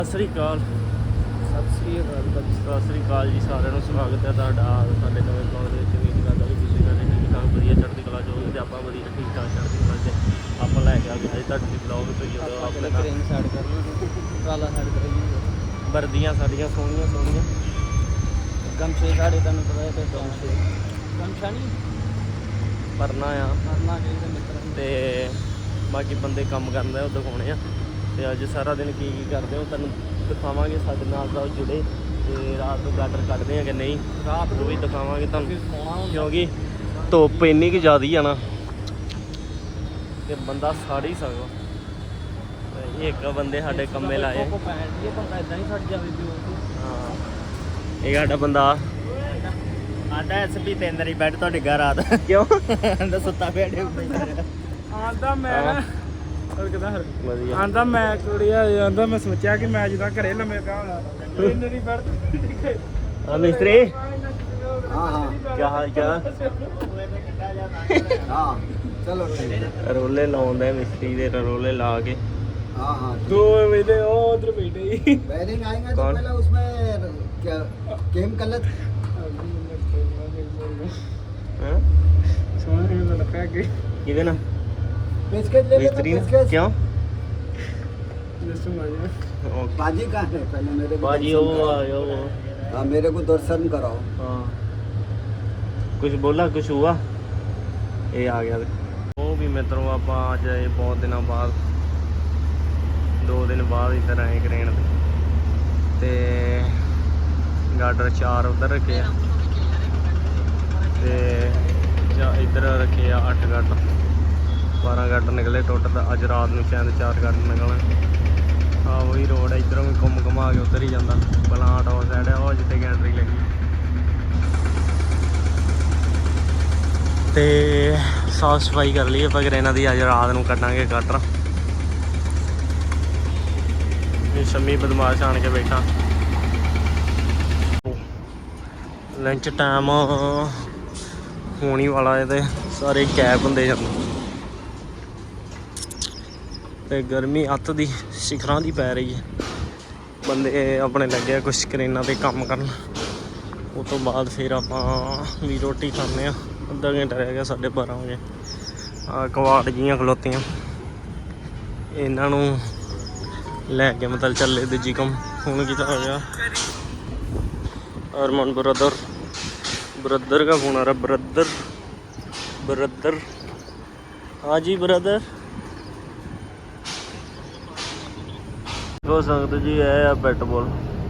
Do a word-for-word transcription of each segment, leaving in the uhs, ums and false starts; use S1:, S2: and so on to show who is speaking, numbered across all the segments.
S1: ਸਤਿ ਸ੍ਰੀ ਅਕਾਲ
S2: ਸਤਿ ਸ੍ਰੀ ਅਕਾਲ
S1: ਸਤਿ ਸ੍ਰੀ ਅਕਾਲ ਜੀ ਸਾਰਿਆਂ ਨੂੰ ਸਵਾਗਤ ਹੈ ਤੁਹਾਡਾ ਸਾਡੇ ਨਵੇਂ ਬਲੌਗ ਦੇ ਵਿੱਚ। ਉਮੀਦ ਕਰਦਾ ਕਿ ਤੁਸੀਂ ਸਾਰੇ ਠੀਕ ਠਾਕ ਵਧੀਆ ਚੜ੍ਹਦੀ ਕਲਾ ਜੋ ਵੀ ਤੇ ਆਪਾਂ ਵਧੀਆ ਠੀਕ ਠਾਕ ਚੜ੍ਹਦੀ ਕਲਾ 'ਚ ਆਪਾਂ ਲੈ ਕੇ ਆ ਗਏ ਅੱਜ ਤੁਹਾਡੇ ਬਲੌਗ ਤੋਂ ਜਦੋਂ ਆਪਣੇ ਨਾਲ
S2: ਟ੍ਰੇਨ ਸਾਈਡ ਕਰਨੀ ਕਾਲਾ ਸਾਈਡ ਕਰਾਈ
S1: ਵਰਦੀਆਂ ਸਾਡੀਆਂ ਸੋਹਣੀਆਂ ਸੋਹਣੀਆਂ
S2: ਗਮਛੇ ਸਾਡੇ ਤੁਹਾਨੂੰ ਪਤਾ ਹੈ ਤੇ ਗਮਛੇ ਗਮਛਾ ਨਹੀਂ
S1: ਪਰਨਾ ਆ
S2: ਕਰਨਾ ਚਾਹੀਦਾ ਮਿੱਤਰਾਂ ਨੂੰ।
S1: ਤੇ ਬਾਕੀ ਬੰਦੇ ਕੰਮ ਕਰਦੇ ਆ ਉਹ ਦਿਖਾਉਣੇ ਆ ਤੇ ਅੱਜ ਸਾਰਾ ਦਿਨ ਕੀ ਕੀ ਕਰਦੇ ਹੋ ਤੁਹਾਨੂੰ ਦਿਖਾਵਾਂਗੇ। ਸਾਡੇ ਨਾਲ ਤਾਂ ਜੁੜੇ ਤੇ ਰਾਤ ਨੂੰ ਗਾਡਰ ਕੱਢਦੇ ਆ ਕਿ ਨਹੀਂ ਰਾਤ ਨੂੰ ਵੀ ਦਿਖਾਵਾਂਗੇ ਤੁਹਾਨੂੰ, ਕਿਉਂਕਿ ਧੁੱਪ ਇੰਨੀ ਕੁ ਜ਼ਿਆਦੀ ਆ ਨਾ ਤੇ ਬੰਦਾ ਸੜ ਹੀ ਸਕਦਾ। ਤੇ ਇੱਕ ਬੰਦੇ ਸਾਡੇ ਕੰਮੇ ਲਾਏ
S2: ਬੰਦਾ ਇਦਾਂ ਹੀ ਛੱਡ ਜਾਵੇ ਵੀ
S1: ਹਾਂ। ਇਹ ਸਾਡਾ ਬੰਦਾ
S2: ਆਂਦਾ ਐਸ ਪੀ ਤੇ ਅੰਦਰ ਹੀ ਬੈਠ ਤੁਹਾਡੇ ਘਰ ਆਦ
S1: ਕਿਉਂ
S2: ਆਂਦਾ ਸੁੱਤਾ ਪਿਆ ਡੇ ਆਂਦਾ ਮੈਂ ਨਾ ਹੋਰ ਕਿਦਾਂ ਹਰ
S1: ਵਧੀਆ
S2: ਆਂਦਾ ਮੈਂ ਕੁੜੀਆ ਆਂਦਾ ਮੈਂ ਸੋਚਿਆ ਕਿ ਮੈਂ ਜਿੱਦਾਂ ਘਰੇ ਲੰਮੇ ਪਿਆ ਹੋਣਾ ਇੰਨੇ ਦੀ ਬੈਠ
S1: ਹਾਂ ਮਿਸਤਰੀ
S2: हाँ हाँ
S1: ਕੀ ਹਾਲ ਚਾਲ
S2: हाँ चलो ठीक है
S1: ਰੋਲੇ ਲਾਉਂਦੇ ਮਿਸਤਰੀ ਦੇ ਰੋਲੇ ਲਾ ਕੇ
S2: हाँ हाँ
S1: दो महीने उधर बैठे ही
S2: वायरिंग आएंगे तो
S1: कौन?
S2: पहले उसमें क्या केम कलर
S1: हैं किधर ना
S2: पेचकस ले लेना
S1: मिस्त्री ने
S2: पेचकस
S1: क्यों
S2: बाजी कहाँ है पहले मेरे को
S1: बाजी
S2: दर्शन
S1: वो
S2: कराओ।
S1: वो
S2: हाँ मेरे को दर्शन कराओ।
S1: हाँ कुछ बोला कुछ हुआ ये आ गया वो भी मित्रों आप आज आए बहुत दिनों बाद दो दिन बाद इधर आए क्रेन ते गाडर चार उधर रखे ते इधर रखे आ अठ गाडर बारह गाडर निकले टोटल। अज रात में शायद चार गाडर निकलन। हाँ वही रोड है इधरों भी घूम घुमा के उधर ही जाता पलांट और साइड है और जितने गैंटरी लगी ते साफ सफाई कर ली पर इन्हों की अज रात को कटांगे गाडर। शमी बदमाश आन के बैठा लंच टाइम होने वाला है तो सारे कैब होंगे जाते ते गर्मी अत दी शिखरां दी पै रही है। बंदे अपने लगे कुछ क्रेनां ते काम करन उस तो बाद फिर आपां भी रोटी खाने आ। अद्धा घंटा रह गया साढ़े बारह बजे। आ कवाड़ जियां खलोतियां इन्हां नूं लैके मतलब चले दूजी कम फोन किया हो गया अरमान ब्रदर ब्रदर का फोन आ रहा ब्रदर ब्रदर हाँ जी ब्रदर हो सकते जी है बैट बॉल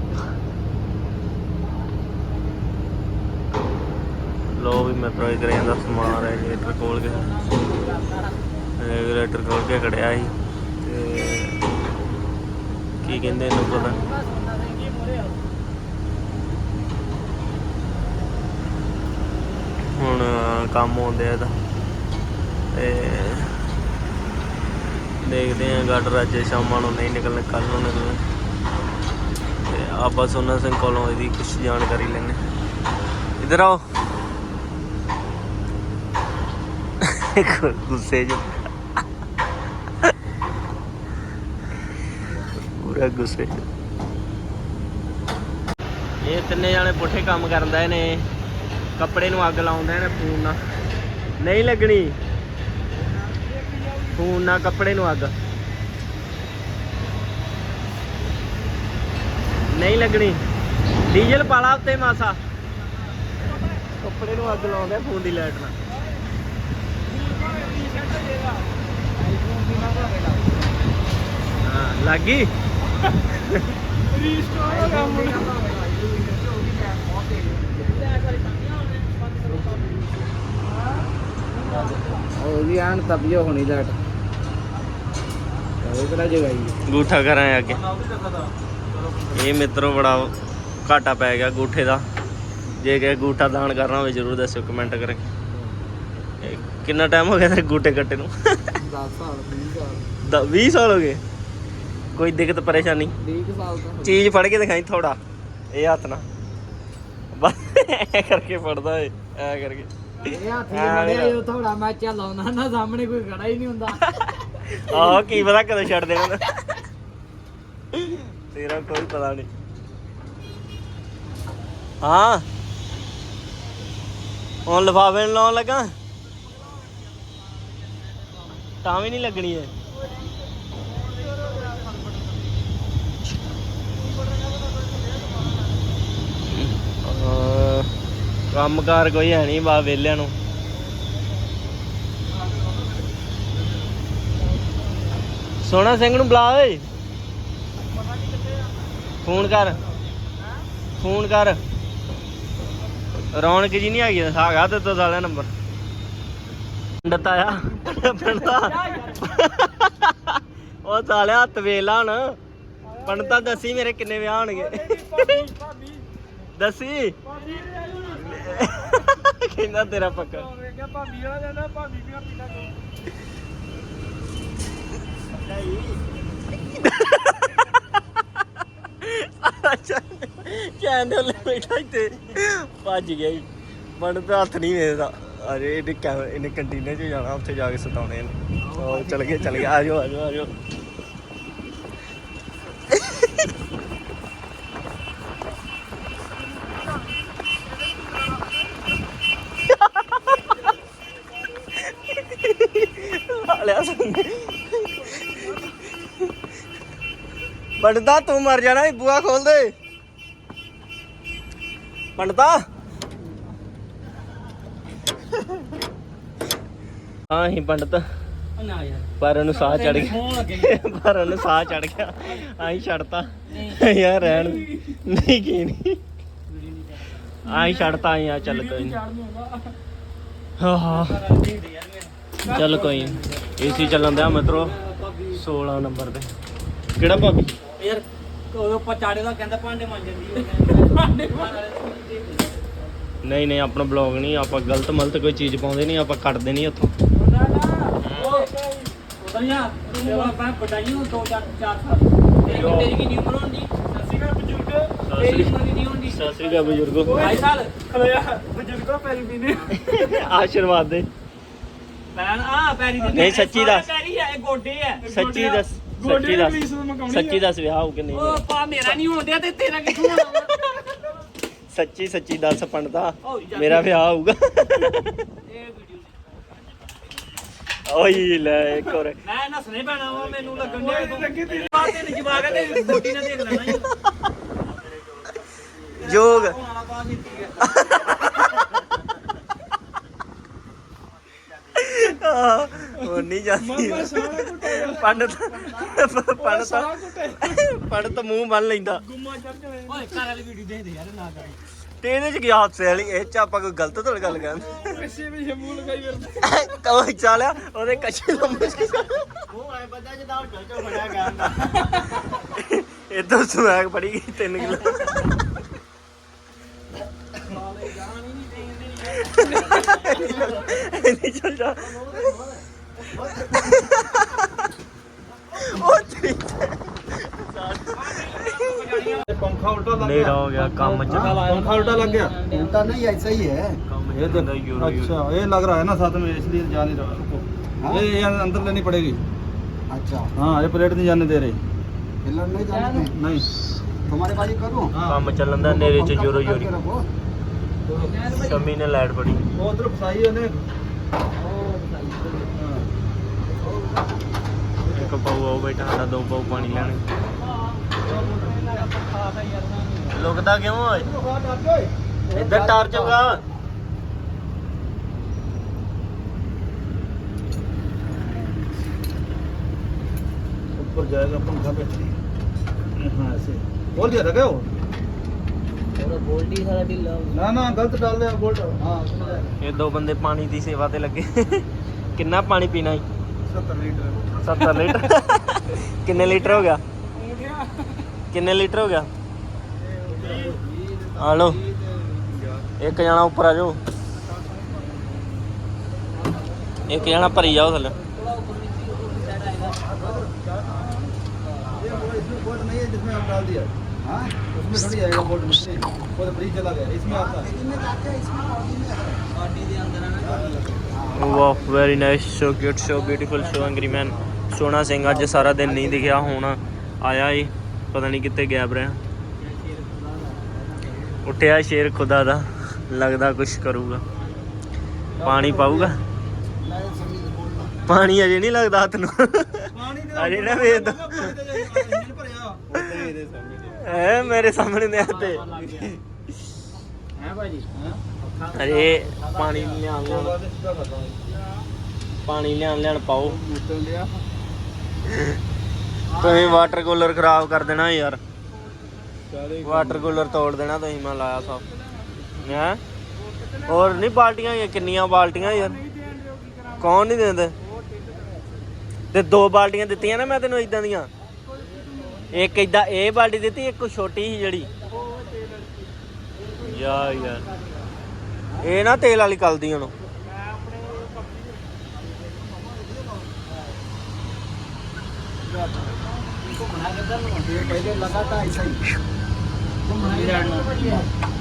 S1: लो भी मित्रों करें का समान रेगूलेटर खोल के रेगूलेटर खोल के खड़िया ही की कहते इनू पता हुण काम आउंदे आ देखते हैं गाडर अज शाम नहीं निकलने कल नूं निकलने ते आप सोना सिंह कोलों इसकी कुछ जानकारी लेने। इधर आओ गुस्से च पूरा गुस्से ये तिन्ने जाने पुठे काम करदा ने कपड़े नूं अग लाउंदे ने फोन ना नहीं लगनी फोन ना कपड़े नूं अग नहीं लगनी डीजल पाला उत्ते मासा कपड़े नूं अग लाउंदे फोन दी लाइट ना हाँ लग गई
S2: तभी होनी लाइट
S1: गूठा करा अगे ये मित्रों बड़ा घाटा पै गया गूठे का। जे कि गूठा दान करना हो जरूर दसो कमेंट करें। कितना टाइम हो गया गूठे कट्टे नूं बीह साल हो गए। कोई दिक्कत परेशानी चीज फड़ के दिखाई थोड़ा ये हथ ना बस करके फड़दा है ऐ करके
S2: थोड़ा मैं चलाउना ना सामने कोई खड़ा ही नहीं हुंदा।
S1: आहो की पता कदों छड्ड देना तेरा कोई पता नहीं। हाँ हुण लिफाफे लाउण लगा तां भी नहीं लगनी है। ਕੰਮ ਕਾਰ ਕੋਈ ਹੈ ਨਹੀਂ ਬਾ ਵਿਹਲਿਆਂ ਨੂੰ। ਸੋਹਣਾ ਸਿੰਘ ਨੂੰ ਬੁਲਾ ਓਏ, ਫੋਨ ਕਰ ਫੋਨ ਕਰ। ਰੌਣਕ ਜੀ ਨਹੀਂ ਹੈਗੀ ਹੈਗਾ ਤੇ ਤੋਂ ਸਾਲਿਆ ਨੰਬਰ। ਪੰਡਤ ਆਇਆ ਪੰਡਤਾ ਉਹ ਸਾਲਿਆ ਹੱਥ ਵੇਖ ਲਾ ਹੁਣ। ਪੰਡਤਾ ਦੱਸੀ ਮੇਰੇ ਕਿੰਨੇ ਵਿਆਹ ਹੋਣਗੇ ਦੱਸੀ। ਕਹਿੰਦਾ ਤੇਰਾ ਪੱਕਾ
S2: ਭਾਬੀ ਵਾਲਾ ਜਾਂਦਾ ਭਾਬੀ ਵੀ ਪੀਣਾ
S1: ਚੈਨਲ ਬੈਠਾ ਇੱਥੇ ਭੱਜ ਗਿਆ ਜੀ। ਪੰਡਤ ਹੱਥ ਨਹੀਂ ਵੇਖਦਾ। ਅਰੇ ਇਹਨੇ ਕੈਮਰਾ ਇਹਨੇ ਕੰਟੀਨੇ 'ਚ ਜਾਣਾ, ਉੱਥੇ ਜਾ ਕੇ ਸਤਾਉਣੇ ਇਹਨੇ। ਉਹ ਚਲ ਗਏ ਚਲ ਗਏ ਆ ਜਾਓ ਆ ਜਾਓ ਆ ਜਾਓ। पंडिता तू मर जाना, बुआ खोल दे पंडिता। हाँ ही पंडित पर ਉਹਨੂੰ ਸਾਹ ਚੜ ਗਿਆ ਪਰ ਉਹਨੂੰ ਸਾਹ ਚੜ ਗਿਆ ਆਈ ਛੱਡਤਾ ਯਾਰ ਰਹਿਣ ਨਹੀਂ ਕੀ ਨਹੀਂ ਆਈ ਛੱਡਤਾ ਆਈ ਆ ਚੱਲ ਕੋਈ ਨਹੀਂ। ਹਾਂ ਹਾਂ ਚੱਲ ਕੋਈ ਨਹੀਂ। ਏਸੀ ਚੱਲਣ ਦਿਆ ਮਿੱਤਰੋ ਸੋਲਾਂ ਨੰਬਰ ਤੇ। ਕਿਹੜਾ ਭਾਬੀ
S3: ਯਾਰ ਉਹ ਪਚਾੜੇ ਦਾ ਕਹਿੰਦਾ ਭਾਂਡੇ ਮਾਂਜ ਜਾਂਦੀ ਭਾਂਡੇ
S1: ਨਹੀਂ ਨਹੀਂ ਆਪਣਾ ਬਲੌਗ ਨਹੀਂ ਆਪਾਂ ਗਲਤ ਮਲਤ ਕੋਈ ਚੀਜ਼ ਪਾਉਂਦੇ ਨਹੀਂ, ਆਪਾਂ ਕੱਟਦੇ ਨਹੀਂ ਉੱਥੋਂ।
S3: ਉਧਰ ਯਾਰ ਤੂੰ ਆਪਾਂ ਪਟਾਈ ਨੂੰ ਦੋ ਚਾਰ ਚਾਰ ਸਾਲ ਤੇਰੀ ਤੇਰੀ ਕਿੰਨੀ ਉਮਰ ਹੋਣੀ? ਸੱਸੀ ਦਾ ਬਜ਼ੁਰਗ ਤੇਰੀ ਉਮਰ ਕਿੰਨੀ ਹੋਣੀ?
S1: ਸਤਿ ਸ੍ਰੀ ਅਕਾਲ ਬਜ਼ੁਰਗੋ।
S3: ਢਾਈ ਸਾਲ
S2: ਖਲੋਇਆ ਬਜ਼ੁਰਗੋ ਪੈਰੀ ਪੀਨੇ
S1: ਆਸ਼ੀਰਵਾਦ ਦੇ।
S3: ਪੈਣ ਆ ਪੈਰੀ ਦੇ
S1: ਨਹੀਂ ਸੱਚੀ ਦੱਸ,
S3: ਪੈਰੀ ਹੈ ਇਹ ਗੋਡੇ ਹੈ
S1: ਸੱਚੀ ਦੱਸ ਸੱਚੀ ਦੱਸ ਸੱਚੀ ਦੱਸ ਵਿਆਹ ਹੋਊ ਕਿ ਨਹੀਂ?
S3: ਉਹ ਪਾ ਮੇਰਾ ਨਹੀਂ ਹੋਣ ਦਿਆ ਤੇ ਤੇਰਾ ਕਿੱਥੋਂ ਹੋਣਾ?
S1: ਸੱਚੀ ਸੱਚੀ ਦੱਸ ਪੰਡਤਾ
S3: ਓ ਯਾਰ
S1: ਮੇਰਾ ਵਿਆਹ ਹੋਊਗਾ।
S3: ਇਹ ਵੀਡੀਓ
S1: ਓਏ ਲੈ ਇੱਕ ਹੋਰ
S3: ਮੈਂ ਨਸਣੇ ਪੈਣਾ ਵਾ ਮੈਨੂੰ ਲੱਗਣ ਡਿਆ ਤੂੰ ਬਾਤ ਤੇ ਜਵਾਗ ਤੇ ਗੋਡੀ ਨਾਲ ਦੇਖ ਲੈਣਾ
S1: ਜੋਗ
S3: ਹੋਣਾ ਪਾ ਦਿੱਤੀ ਹੈ।
S1: ਉਹ ਨਹੀਂ ਜਾਂਦੀ
S2: ਮਾਮਾ ਸਾਰਾ ਕੁੱਟਿਆ
S1: ਪੰਡਤ ਪੰਡਤ
S2: ਸਾਰਾ ਕੁੱਟਿਆ
S1: ਪੰਡਤ ਮੂੰਹ ਬੰਨ ਲੈਂਦਾ।
S2: ਗੁੰਮਾ ਚੜ ਕੇ
S3: ਓਏ ਘਰ ਵਾਲੀ ਵੀਡੀਓ ਦੇਖ ਦੇ ਯਾਰ ਨਾ ਕਰ।
S1: ਤੇ ਇਹਦੇ ਚ ਗਿਆ ਹਾਦਸੇ ਵਾਲੀ ਇਹ ਚ ਆਪਾਂ ਕੋਈ ਗਲਤ ਥੋੜੀ ਗੱਲ ਕਰਦੇ।
S2: ਪਿੱਛੇ ਵੀ ਸ਼ਮੂ ਲਗਾਈ ਫਿਰਦਾ
S1: ਕਹੋ ਚਾਲਿਆ ਉਹਦੇ ਕੱਚੇ ਲੰਮੇ
S3: ਉਹ ਐ ਬੰਦਾ ਜਿੱਦਾਂ ਚੋ ਫੜਿਆ ਗਿਆ ਹੁੰਦਾ।
S1: ਇਦੋਂ ਸਮੈਕ ਪੜੀ ਗਈ ਤਿੰਨ ਕਿਲੋ। ਨਹੀਂ ਚੱਲ ਜਾ ਉਹ ਠੀਕ
S2: पंखा उल्टा लग
S1: ਨੇੜਾ ਹੋ ਗਿਆ ਕੰਮ ਚ
S2: पंखा उल्टा लग गया
S4: उल्टा नहीं ऐसा ही है।
S1: ਕੰਮ
S2: ये
S1: ਚ यूरो
S2: अच्छा ये लग रहा है ना साथ में इसलिए जा नहीं रहा रुको
S4: हाँ?
S2: ये ये अंदर लेनी पड़ेगी।
S4: अच्छा
S2: हाँ ये प्लेट नहीं जाने दे रही।
S4: पिलर नहीं जाने दें।
S2: नहीं
S4: तुम्हारे पास करूँ
S1: ਕੰਮ ਚੱਲਣ ਦਾ ਨੇਰੇ ਚ ਯੂਰੋ ਯੂਰੀ
S4: रखो।
S1: ਸ਼ਮੀ ਨੇ ਲਾਈਟ ਪੜੀ।
S2: वो उधर फसाई है ने
S1: ਇੱਕ ਪਾਉ ਆਉ ਬੈਠਾ ਸਾਡਾ ਦੋ ਪਾਉ ਪਾਣੀ ਲੈਣੇ। ਲੁਕਦਾ ਕਿਉਂ ਓਏ ਇੱਧਰ ਟਾਰਚ ਹੋਗਾ।
S2: ऊपर जाएगा पंखा पे। हाँ ऐसे बोल दिया था क्या वो?
S3: ਗੋਲਡੀ ਸਾਰਾ ਢਿੱਲਾ
S2: ना ना गलत डाल दिया बोल्ट। हाँ
S1: ਇਹ ਦੋ ਬੰਦੇ ਪਾਣੀ ਦੀ ਸੇਵਾ ਤੇ ਲੱਗੇ। ਕਿੰਨਾ ਪਾਣੀ ਪੀਣਾ ਹੈ?
S2: सत्तर लीटर।
S1: ਸੱਤਰ ਲੀਟਰ। ਕਿੰਨੇ ਲੀਟਰ ਹੋ ਗਿਆ? ਕਿੰਨੇ ਲੀਟਰ ਹੋ ਗਿਆ? ਆ ਲੋ ਇੱਕ ਜਣਾ ਉੱਪਰ ਆ ਜਾਓ, ਇੱਕ ਜਣਾ ਭਰੀ ਜਾਓ ਥੱਲੇ।
S2: ये वो इसमें बोल्ट नहीं है जिसमें हम डाल दिया। हाँ उसमें थोड़ी आएगा बोल्ट में। वो तो फ्री चला गया इसमें आता है।
S4: इसमें जाते हैं, इसमें बॉडी में है।
S3: ਗਾਡੀ ਦੇ ਅੰਦਰ ਆ ਨਾ
S1: ਵਾਹ very nice, so cute, so beautiful, so angry man. Sohna Singh ਅੱਜ ਸਾਰਾ ਦਿਨ ਨਹੀਂ ਦਿਖਿਆ, ਹੁਣ ਆਇਆ ਏ ਪਤਾ ਨਹੀਂ ਕਿੱਥੇ ਗਾਇਬ ਰਿਹਾ। ਉੱਠਿਆ ਸ਼ੇਰ ਖੁਦਾ ਦਾ, ਲੱਗਦਾ ਕੁਛ ਕਰੂਗਾ। ਪਾਣੀ ਪਾਊਗਾ? ਪਾਣੀ ਅਜੇ ਨਹੀਂ ਲੱਗਦਾ ਹੱਥ ਨੂੰ।
S2: ਪਾਣੀ ਦੇ
S1: ਅਜੇ ਨਾ ਵੇਚ ਦੋ।
S2: ਪਾਣੀ ਤੇ ਇੰਜਨ ਭਰਿਆ ਉੱਤੇ ਇਹਦੇ ਸਾਹਮਣੇ
S1: ਐ ਮੇਰੇ ਸਾਹਮਣੇ ਦੇ ਹੱਥੇ
S3: ਹੈ ਭਾਜੀ
S1: ਅਜੇ ਪਾਣੀ ਲਿਆਣ ਲਿਆਣ ਪਾਣੀ ਲਿਆਣ ਲਿਆਣ ਪਾਓ।
S2: ਮੁੱਤਲ ਲਿਆ
S1: ਤੁਸੀਂ ਵਾਟਰ ਕੂਲਰ ਖਰਾਬ ਕਰ ਦੇਣਾ ਯਾਰ। ਵਾਟਰ ਕੂਲਰ ਤੋੜ ਦੇਣਾ ਤੁਸੀਂ। ਮੈਂ ਲਾਇਆ ਸਭ ਹੈ। ਹੋਰ ਨਹੀਂ ਬਾਲਟੀਆਂ ਹੋਈਆਂ? ਕਿੰਨੀਆਂ ਬਾਲਟੀਆਂ ਯਾਰ? ਕੌਣ ਨਹੀਂ ਦਿੰਦੇ? ਤੇ ਦੋ ਬਾਲਟੀਆਂ ਦਿੱਤੀਆਂ ਨਾ ਮੈਂ ਤੈਨੂੰ ਇਦਾਂ ਦੀਆਂ। ਇੱਕ ਇਦਾਂ ਇਹ ਬਾਲਟੀ ਦਿੱਤੀ, ਇੱਕ ਛੋਟੀ ਸੀ ਜਿਹੜੀ। ਯਾਰ ਯਾਰ ਇਹ ਨਾ ਤੇਲ ਵਾਲੀ ਕਲਦੀ ਹੁਣ।
S4: फिर पहले लगा था ऐसा ही
S3: घूमना